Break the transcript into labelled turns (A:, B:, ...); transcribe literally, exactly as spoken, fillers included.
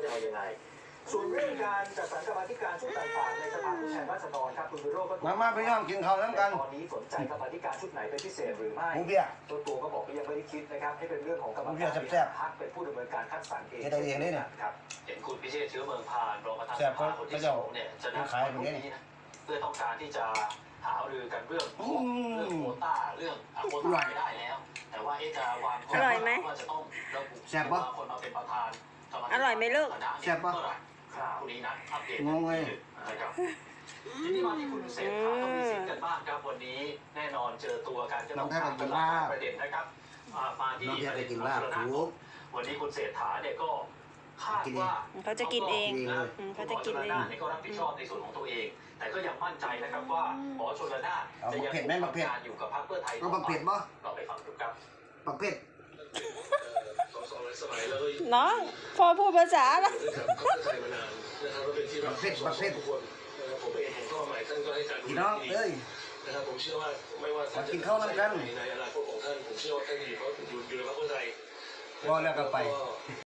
A: จะเอายังไงส่วนเรื่องการจัดสรรกรรมาธิการชุดต่างๆในสภาผู้แทนราษฎรครับคุณวิโรจน์ก็
B: มามาไปย่อมกินข้าวน้ำกัน
A: ตอนนี้สนใจกรรมาธิการชุดไหนเป็นพิเศษหรือไม่
B: หมูเบี้ย
A: ตัวตัวก็บอกว่ายังไม่ได้คิดนะครับให้เป็นเรื่องของกรรมการพรรคเป็นผู้ดำเนินการคัดสรรเอง
B: จะได้เองนี่เนี่ย
A: ครับ
C: เห็นคุณพิเชษฐ์เชื้อเมืองพานรองประธานสภาคนที่สองเนี่ยจะนัดวันนี้นะเพื่อต้องการที่จะหารือกันเรื่องเรื่องโควต้าเรื่องโควต้าไม่ได้แล้ว แต่ว่าจะวางข้อว่าจะต้องระบุว่าคนมาเป็นประธาน
D: อร่อยไหมลูก
B: แซ่บปะ
C: คุณนี้นัดอัปเดต
B: งงเลย
C: นะครับทีนี้มาที่คุณเศรษฐาทวีสินกันบ้างครับวันนี้แน่นอนเจอตัวกันจะต้องถามกันหลายประเด็นนะครับมาที่ประเด็นของชลนาวันนี้คุณเศรษฐาเนี่ยก็คาดว่า
D: เขาจะกินเองเขาจะกินเอง
C: ก็รับผิดชอบในส่วนของตัวเองแต่ก็ยังมั่นใจนะครับว่าหมอชลนานจะยังทำงานอยู่กับพรรคเพื่อไทยต่อไปเราไปฟังดูครับ
B: ประเภท
D: น้องพอพูดภาษาแล้ว
B: ประเภทประเภทพี่น้องเอ้ย
E: นะครับผมเชื่อว่าไม่ว่าท่านจะ
B: กินข้าวน้ำกัน
E: ในอนาคตของท่านผมเชื่อว่าท่านอยู่เพราะอยู่อยู่ในพรรคเพื่อไทย
B: รอแล้วก็ไป